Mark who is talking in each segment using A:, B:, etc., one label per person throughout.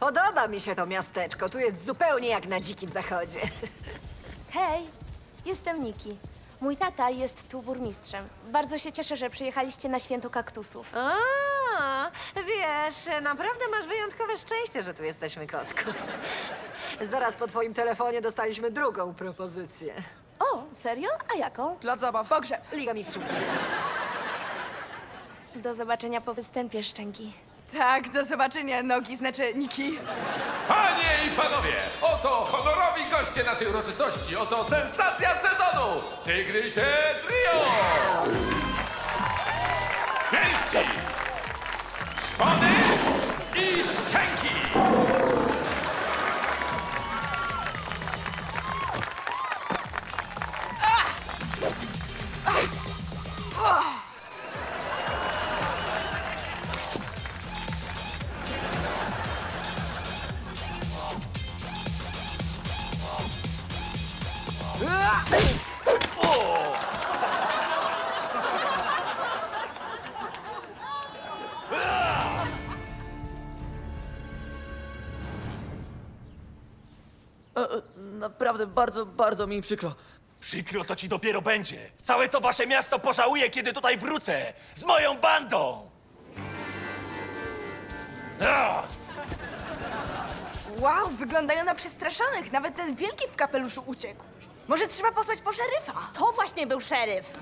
A: Podoba mi się to miasteczko. Tu jest zupełnie jak na dzikim zachodzie.
B: Hej, jestem Niki. Mój tata jest tu burmistrzem. Bardzo się cieszę, że przyjechaliście na święto kaktusów.
A: A, wiesz, naprawdę masz wyjątkowe szczęście, że tu jesteśmy, kotku. Zaraz po twoim telefonie dostaliśmy drugą propozycję.
B: O, serio? A jaką?
C: Plac zabaw.
A: Pogrzeb, Liga Mistrzów.
B: Do zobaczenia po występie, Szczęki.
D: Tak, do zobaczenia, nogi, znaczy Niki.
E: Panie i panowie, oto honorowi goście naszej uroczystości, oto sensacja sezonu! Tygrysie Trio! Pięści, szpony i szczęki!
C: Naprawdę bardzo mi przykro.
F: Przykro to ci dopiero będzie. Całe to wasze miasto pożałuje, kiedy tutaj wrócę. Z moją bandą! Ah!
D: Wow, wyglądają na przestraszonych. Nawet ten wielki w kapeluszu uciekł. Może trzeba posłać po szeryfa?
B: To właśnie był szeryf.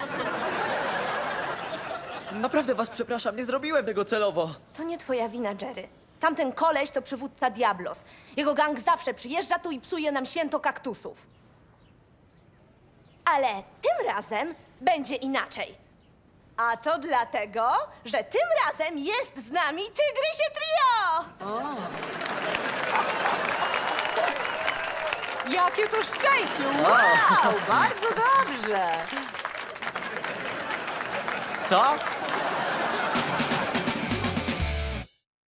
C: Naprawdę was przepraszam, nie zrobiłem tego celowo.
B: To nie twoja wina, Jerry. Tamten koleś to przywódca Diablos. Jego gang zawsze przyjeżdża tu i psuje nam święto kaktusów. Ale tym razem będzie inaczej. A to dlatego, że tym razem jest z nami Tygrysie Trio!
A: Jakie to szczęście! Wow, bardzo dobrze!
C: Co?